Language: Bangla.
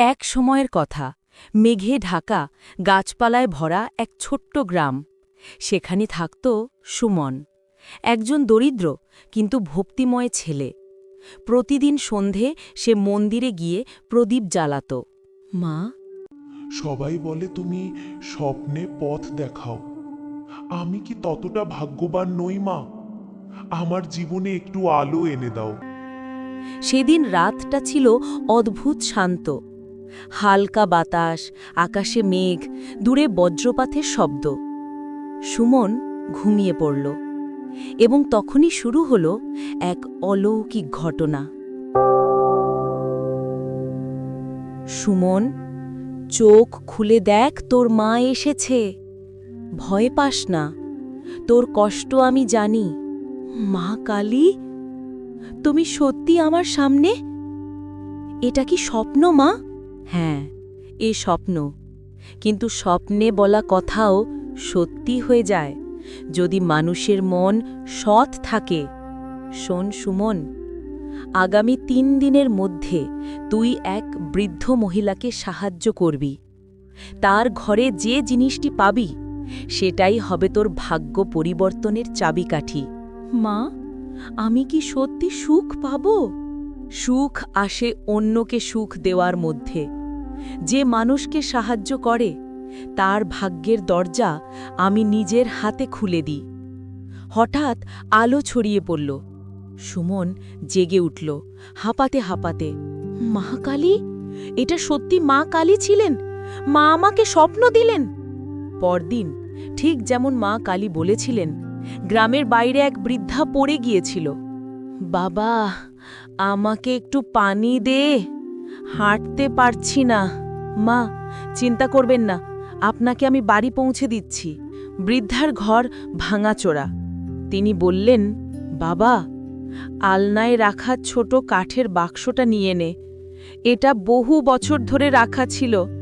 এক সময়ের কথা, মেঘে ঢাকা, গাছপালায় ভরা এক ছোট্ট গ্রাম। সেখানে থাকত সুমন, একজন দরিদ্র কিন্তু ভক্তিময় ছেলে। প্রতিদিন সন্ধে সে মন্দিরে গিয়ে প্রদীপ জ্বালাত। মা, সবাই বলে তুমি স্বপ্নে পথ দেখাও। আমি কি ততটা ভাগ্যবান নই মা? আমার জীবনে একটু আলো এনে দাও। সেদিন রাতটা ছিল অদ্ভুত শান্ত। হালকা বাতাস, আকাশে মেঘ, দূরে বজ্রপাতের শব্দ। সুমন ঘুমিয়ে পড়ল এবং তখনই শুরু হল এক অলৌকিক ঘটনা। সুমন, চোখ খুলে দেখ, তোর মা এসেছে। ভয় পাস না, তোর কষ্ট আমি জানি। মা কালী, তুমি সত্যি আমার সামনে? এটা কি স্বপ্ন মা? হ্যাঁ, এ স্বপ্ন। কিন্তু স্বপ্নে বলা কথাও সত্যি হয়ে যায় যদি মানুষের মন সৎ থাকে। শোন সুমন, আগামী 3 দিনের মধ্যে তুই এক বৃদ্ধ মহিলাকে সাহায্য করবি। তার ঘরে যে জিনিসটি পাবি সেটাই হবে তোর ভাগ্য পরিবর্তনের চাবিকাঠি। মা, আমি কি সত্যি সুখ পাব? সুখ আসে অন্যকে সুখ দেওয়ার মধ্যে। যে মানুষকে সাহায্য করে তার ভাগ্যের দরজা আমি নিজের হাতে খুলে দিই। হঠাৎ আলো ছড়িয়ে পড়ল। সুমন জেগে উঠল, হাঁপাতে হাঁপাতে। মা কালী, এটা সত্যি মা কালী ছিলেন? মা আমাকে স্বপ্ন দিলেন? পরদিন ঠিক যেমন মা কালী বলেছিলেন, গ্রামের বাইরে এক বৃদ্ধা পড়ে গিয়েছিল। বাবা, আমাকে একটু পানি দে, হাঁটতে পারছি না। মা, চিন্তা করবেন না, আপনাকে আমি বাড়ি পৌঁছে দিচ্ছি। বৃদ্ধার ঘর ভাঙাচোরা। তিনি বললেন, বাবা, আলনায় রাখা ছোট কাঠের বাক্সটা নিয়ে নে। এটা বহু বছর ধরে রাখা ছিল।